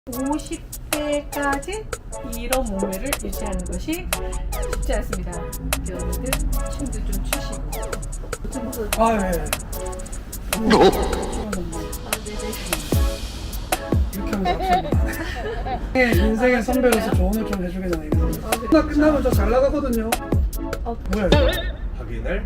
50대까지 이런 몸매를 유지하는 것이 쉽지 않습니다. 여러분들 춤도 좀 추시고 좀 벗어. 아, 예. 이렇게 하면 납치합니다. 인생의 선배로서 조언을 좀 해주겠잖아요. 끝나면 저 잘 나가거든요. 뭐야 이거? 확인을.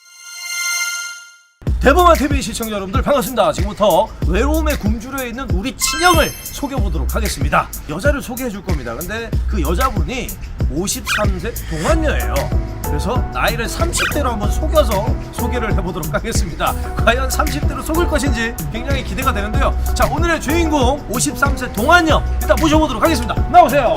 대범한 TV 시청자 여러분들 반갑습니다. 지금부터 외로움에 굶주려 있는 우리 친형을 소개해보도록 하겠습니다. 여자를 소개해줄 겁니다. 근데 그 여자분이 53세 동안녀예요. 그래서 나이를 30대로 한번 속여서 소개를 해보도록 하겠습니다. 과연 30대로 속을 것인지 굉장히 기대가 되는데요. 자, 오늘의 주인공 53세 동안녀 일단 모셔보도록 하겠습니다. 나오세요.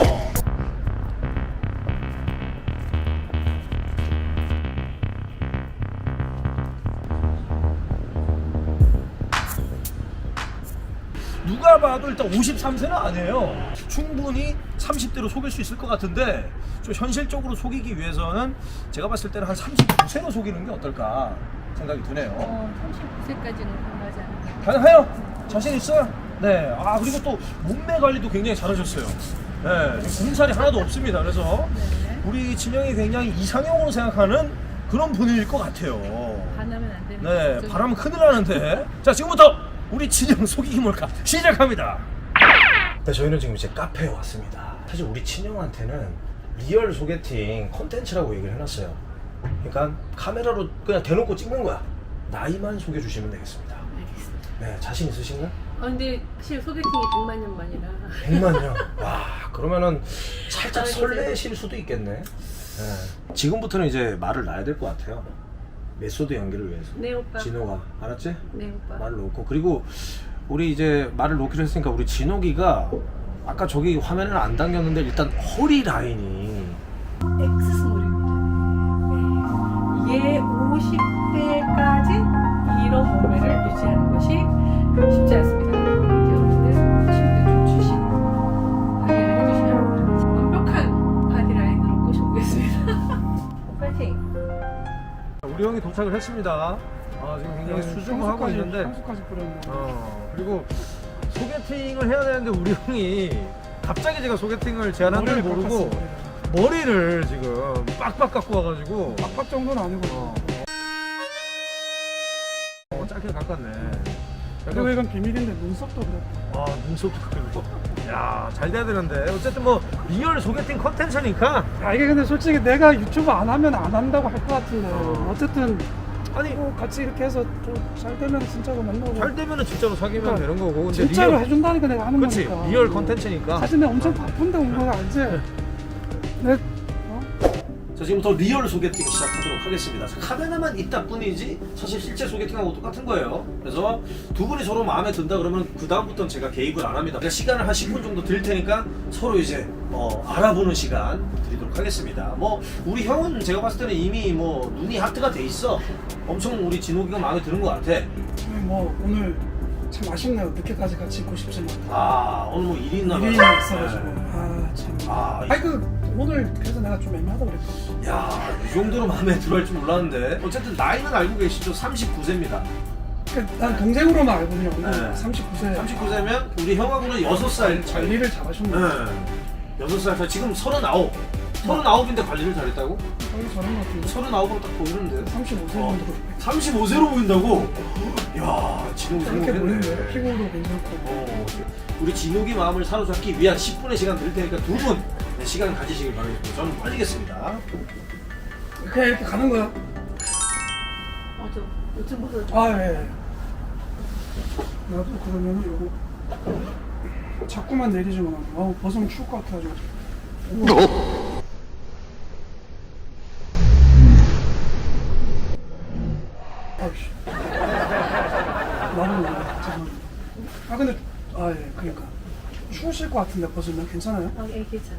누가 봐도 일단 53세는 아니에요. 충분히 30대로 속일 수 있을 것 같은데 좀 현실적으로 속이기 위해서는 제가 봤을 때는 한 39세로 속이는 게 어떨까 생각이 드네요. 39세까지는 가능하지 않아요. 가능해요? 자신 있어요? 네. 아, 그리고 또 몸매 관리도 굉장히 잘하셨어요. 네. 몸살이 하나도 없습니다. 그래서 네. 우리 진영이 굉장히 이상형으로 생각하는 그런 분일 것 같아요. 반하면 안 되는 네. 거죠. 바라면 큰일 나는데. 자, 지금부터 우리 친형 속이기 몰카 시작합니다. 네, 저희는 지금 이제 카페에 왔습니다. 사실 우리 친형한테는 리얼 소개팅 콘텐츠라고 얘기를 해놨어요. 그러니까 카메라로 그냥 대놓고 찍는 거야. 나이만 소개해주시면 되겠습니다. 알겠습니다. 네, 자신 있으신가요? 근데 사실 소개팅이 100만 년 만이라 100만요. 와, 그러면은 살짝 설레실 수도 있겠네. 네. 지금부터는 이제 말을 놔야 될 것 같아요. 메소드 연기를 위해서. 네 오빠. 진호가 알았지? 네 오빠. 말을 놓고, 그리고 우리 이제 말을 놓기로 했으니까 우리 진호기가 아까 저기 화면에는 안 당겼는데 일단 허리 라인이 X 스몰입니다. 네. 얘 50대까지 이런 몸매를 유지하는 것이 쉽지 않습니다. 여러분들 춤도 좀 추시고 관리를 해주시면 완벽한 바디라인으로 꼬셔보겠습니다. 파이팅! 우리 형이 도착을 했습니다. 아, 지금 굉장히 수줍어 하고 있는데 향수까지 뿌렸네. 그리고 소개팅을 해야 되는데 우리 형이 갑자기 제가 소개팅을 제안한 줄 모르고 머리를 지금 빡빡 깎고 와가지고 빡빡 정도는 아니고. 짧게 깎았네. 그리고 이건 비밀인데 눈썹도 그랬고. 아, 눈썹도 그리고 야, 잘 돼야 되는데 어쨌든 뭐 리얼 소개팅 컨텐츠니까. 아, 이게 근데 솔직히 내가 유튜브 안 하면 안 한다고 할 것 같은데 어쨌든 아니 같이 이렇게 해서 좀 잘 되면 진짜로 만나고 잘 되면은 진짜로 사귀면 그러니까 되는 거고. 근데 진짜로 리얼, 해준다니까 내가 하는 그치, 거니까. 리얼 컨텐츠니까. 사실 내가 엄청 바쁜데 온 거 알지? 내 자, 지금부터 리얼 소개팅 시작하도록 하겠습니다. 카메라만 있다 뿐이지 사실 실제 소개팅하고 똑같은 거예요. 그래서 두 분이 서로 마음에 든다 그러면 그 다음부터는 제가 개입을 안 합니다. 시간을 한 10분 정도 드릴 테니까 서로 이제 알아보는 시간 드리도록 하겠습니다. 뭐 우리 형은 제가 봤을 때는 이미 뭐 눈이 하트가 돼 있어. 엄청 우리 진호기가 마음에 드는 것 같아. 뭐 오늘 참 아쉽네요. 늦게까지 같이 있고 싶지만 아, 오늘 뭐 일이 있나 봐요. 일이 있어가지고 네. 참. 아, 아니 오늘 그래서 내가 좀 애매하다고 그랬거든. 야, 이 정도로 마음에 들어할 줄 몰랐는데 어쨌든 나이는 알고 계시죠? 39세입니다. 난 동생으로만 알거든요. 네. 39세. 39세면 우리 형하고는 6살 차이. 관리를 잘하셨네. 네. 6살 차이. 지금 39. 39인데 관리를 잘했다고? 관리 잘한 것 같은데. 39으로 딱 보이는데. 35세 정도로. 35세로 보인다고? 야, 진욱이 이렇게 보이는데 성공했네. 피부도 괜찮고. 우리 진욱이 마음을 사로잡기 위한 10분의 시간 드릴 테니까 두 분 시간 가지시길 바라겠습니다. 저는 빠지겠습니다. 그냥 이렇게 가는 거야. 저 요즘 벗어. 아 예. 나도 그러면 요거 자꾸만 내리지만 벗으면 추울 것 같아가지고. 아이씨. 나는 잠깐만. 아 근데 예 그러니까 추우실 것 같은데 벗으면 괜찮아요? 예, 괜찮아.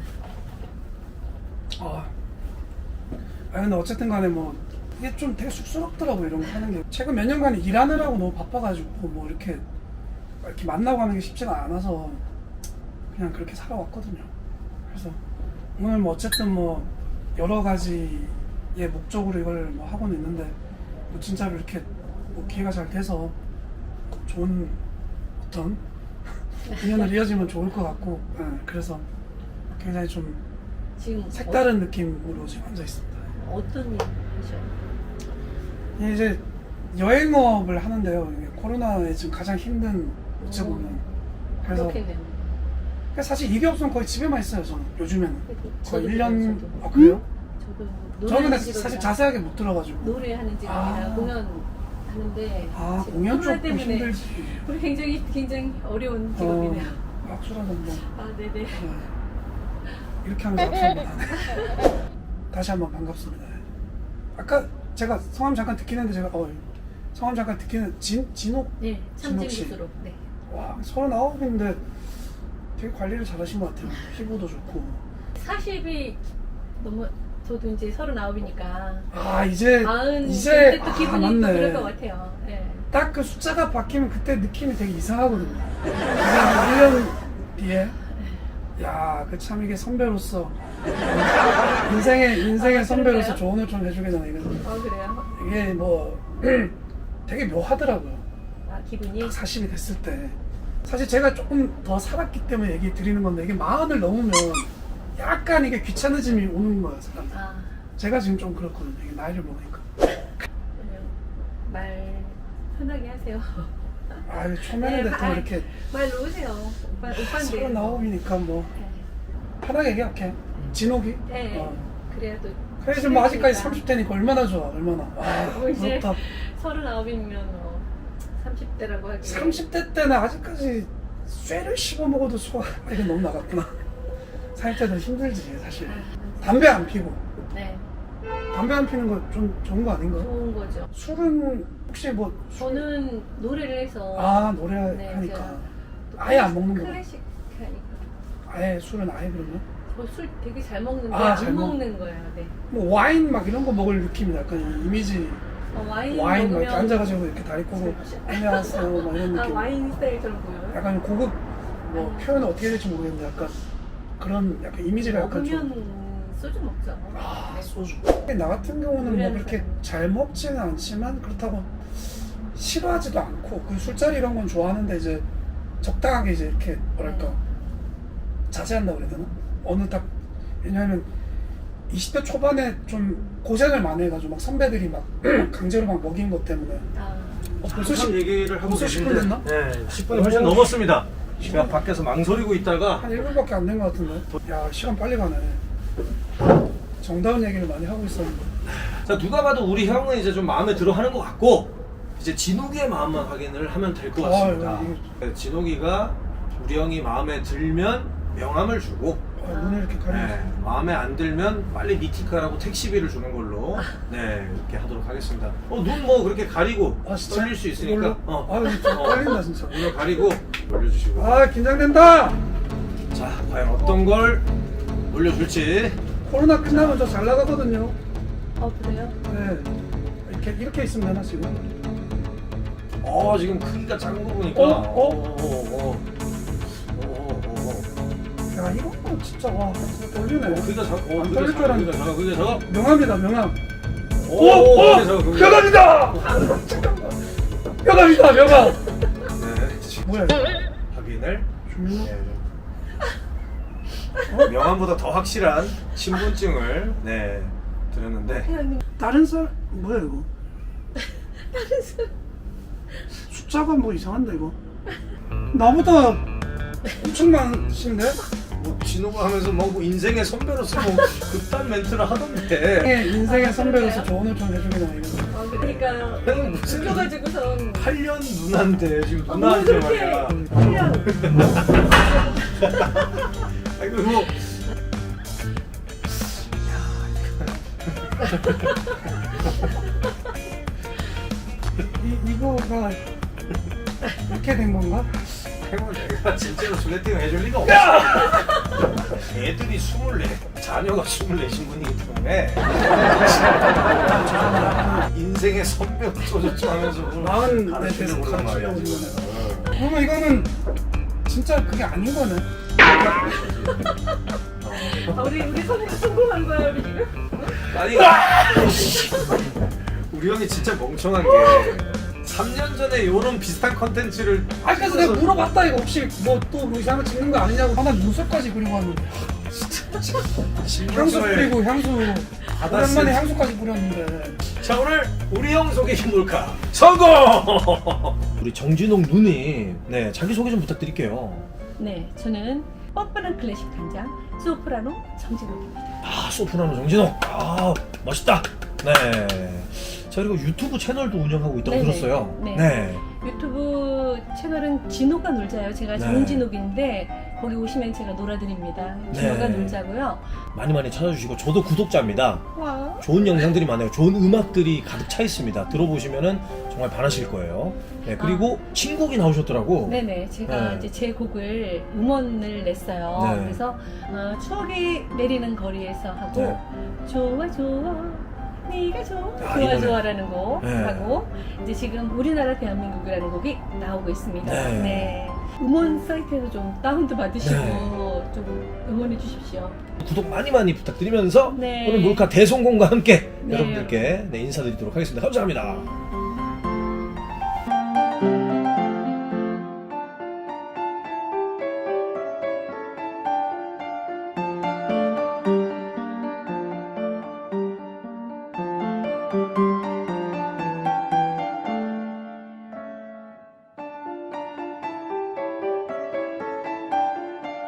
근데 어쨌든 간에 뭐 이게 좀 되게 쑥스럽더라고 이런 거 하는 게. 최근 몇 년간 일하느라고 너무 바빠가지고 뭐 이렇게 만나고 하는 게 쉽지가 않아서 그냥 그렇게 살아왔거든요. 그래서 오늘 뭐 어쨌든 뭐 여러 가지의 목적으로 이걸 뭐 하고는 있는데 뭐 진짜로 이렇게 뭐 기회가 잘 돼서 좋은 어떤 인연을 이어지면 좋을 것 같고 그래서 굉장히 좀 지금 색다른 느낌으로 지금 앉아 있습니다. 어떤 일 하셔요? 이제 여행업을 하는데요. 이게 코로나에 지금 가장 힘든 어찌 보면 그래서 그렇겠네요. 그러니까 사실 이게 없으면 거의 집에만 있어요. 저는 요즘에는 거의 저도 1년 저도. 아 그래요? 저도 저는 근데 노래하는 사실 직업이라 자세하게 못 들어가지고 노래하는 직업이라 아. 공연 하는데 아 지금 공연 코로나 쪽도 때문에 힘들지. 우리 굉장히 어려운 직업이네요. 악수라는 뭐 아 네네. 네. 이렇게 하면서 악수를 하네. 다시 한번 반갑습니다. 아까 제가 성함 잠깐 듣긴 했는데 제가 성함 잠깐 듣긴 했는데 진옥? 네, 진옥 씨. 참진구스로. 네. 와 39인데 되게 관리를 잘하신 것 같아요. 피부도 좋고 40이 너무 저도 이제 39이니까 아 이제 이제 또 기분이 또 맞네. 그럴 것 같아요. 네. 딱 그 숫자가 바뀌면 그때 느낌이 되게 이상하거든요. 그래서 1년 뒤에 야, 그 참 이게 선배로서 인생의 선배로서 그런가요? 조언을 좀 해주겠잖아요. 이거 그래요? 이게 뭐 되게 묘하더라고요. 아 기분이? 딱 40이 됐을 때 사실 제가 조금 더 살았기 때문에 얘기 드리는 건데 이게 40을 넘으면 약간 이게 귀찮아짐이 오는 거예요, 사람. 아 제가 지금 좀 그렇거든요. 이게 나이를 먹으니까. 그러면 말 편하게 하세요. 아, 초면인데 또 이렇게 말 놓으세요. 오빠인데. 39이니까 뭐 편하게 얘기할게. 진옥이? 네. 어. 그래야 또. 그래 지금 뭐 아직까지 30대니까 얼마나 좋아, 얼마나. 뭐 이제 부럽다. 39이면 30대라고 하기. 30대 때는 아직까지 쇠를 씹어 먹어도 소화가 이게 너무 나갔구나. 살 때도 힘들지 사실. 담배 안 피고. 네. 담배 안 피는 거 좀 좋은 거 아닌가? 좋은 거죠. 술은 혹시 뭐 저는 노래를 해서. 노래하니까 네, 제가 아예 안 먹는 거. 클래식 하니까. 아예 술은 아예 그러면? 저 술 되게 잘 먹는데 잘 안 먹- 먹는 거예요. 네. 뭐 와인 막 이런 거 먹을 느낌이 약간 이미지 와인 막 먹으면 이렇게 앉아가지고 이렇게 다리 꼬고 안녕하세요 막 이런 느낌. 와인 스타일처럼 보여요? 약간 고급 뭐 표현을 어떻게 해야 될지 모르겠는데 약간 그런 약간 이미지가 약간 먹으면 좀 소주 먹죠. 네. 소주. 나 같은 경우는 뭐 노래하는 그렇게 사람. 잘 먹지는 않지만 그렇다고 싫어하지도 않고 그 술자리 이런 건 좋아하는데 이제 적당하게 이제 이렇게 뭐랄까 자제한다고 그래야 되나? 어느 딱 왜냐하면 20대 초반에 좀 고생을 많이 해가지고 막 선배들이 막 강제로 막 먹인 것 때문에 아, 벌써 한참 얘기를 하고 벌써 10분 계신데 됐나? 네, 10분이 훨씬 넘었습니다. 제가 밖에서 망설이고 있다가 한 1분밖에 안 된 것 같은데. 야 시간 빨리 가네. 정다운 얘기를 많이 하고 있었는데. 자, 누가 봐도 우리 형은 이제 좀 마음에 들어 하는 것 같고 이제 진욱이의 마음만 확인을 하면 될 것 같습니다. 이거- 진욱이가 우리 형이 마음에 들면 명함을 주고 눈을 이렇게 가리고 네, 마음에 안 들면 빨리 니티카라고 택시비를 주는 걸로 네 이렇게 하도록 하겠습니다. 눈 뭐 그렇게 가리고 진짜? 떨릴 수 있으니까 이걸로? 이거 좀 떨린다 진짜. 눈을 가리고 올려주시고 긴장된다. 자 과연 어떤 걸 올려줄지. 코로나 끝나면 저 잘 나가거든요. 그래요? 네. 이렇게 있으면 되나 지금? 지금 크기가 작은 거 보니까 야 이거 진짜 와 진짜 떨리네. 크기가 작아. 안 떨릴 줄 알았는데. 크기가 작아. 명함이다 명함. 크기가 작아. 명함이다. 잠깐만. 명함이다 명함. 네, 지금 뭐야 이거? 확인을. 주민호? 명함보다 더 확실한 신분증을 드렸는데 다른 살 뭐야 이거? 다른 사람. 숫자가 뭐 이상한데 이거? 나보다 엄청 많으신데? 뭐 진호가 하면서 뭐 인생의 선배로서 뭐 그딴 멘트를 하던데 인생의 선배로서 조언을 좀 해주겠나 이거. 그러니까요. 형은 무슨 웃겨가지고선 8년 누나인데 지금 뭐 누나한테 그렇게 말이야. 8년. 아이고 뭐 이거가 이렇게 된 건가? 형은 내가 진짜로 소개팅을 해줄 리가 없어. 애들이 24, 자녀가 24신 분이기 때문에 인생의 선배 어쩌고저쩌고 하면서 마흔 가르치려고 대에서 그러는 말이야 가르치려고 지금. 그러면 이거는 진짜 그게 아닌 거네. 우리 성공한 거야 우리 지금. 아니 우리 형이 진짜 멍청한 게 3년 전에 이런 비슷한 컨텐츠를 아 그래서 내가 물어봤다 이거 혹시 뭐 또 로시 하나 찍는 거 아니냐고. 난 눈썹까지 그리고 왔는데 향수 뿌리고 향수 오랜만에 향수까지 뿌렸는데. 자, 오늘 우리 형 소개팅 몰카 성공! 우리 정진홍 누님, 네, 자기소개 좀 부탁드릴게요. 네, 저는 뻔뻔한 클래식 단장 소프라노 정진욱입니다. 아, 소프라노 정진홍. 아, 멋있다. 네. 자, 그리고 유튜브 채널도 운영하고 있다고 네네. 들었어요. 네. 유튜브 채널은 진호가 놀자요. 제가 네. 정진욱인데 거기 오시면 제가 놀아드립니다. 진호가 네. 놀자고요. 많이 많이 찾아주시고 저도 구독자입니다. 와. 좋은 영상들이 많아요. 좋은 음악들이 가득 차 있습니다. 들어보시면은 정말 반하실 거예요. 네, 그리고 신곡이 나오셨더라고. 네네, 제가 네. 이제 제 곡을 음원을 냈어요. 네. 그래서 추억이 내리는 거리에서 하고 네. 좋아 좋아 네가 좋아 아, 이 좋아 노래. 좋아라는 곡 네. 하고 이제 지금 우리나라 대한민국이라는 곡이 나오고 있습니다. 네. 네. 음원 사이트에서 좀 다운도 받으시고 네. 좀 응원해 주십시오. 구독 많이 많이 부탁드리면서 네. 오늘 몰카 대성공과 함께 네. 여러분들께 인사드리도록 하겠습니다. 감사합니다.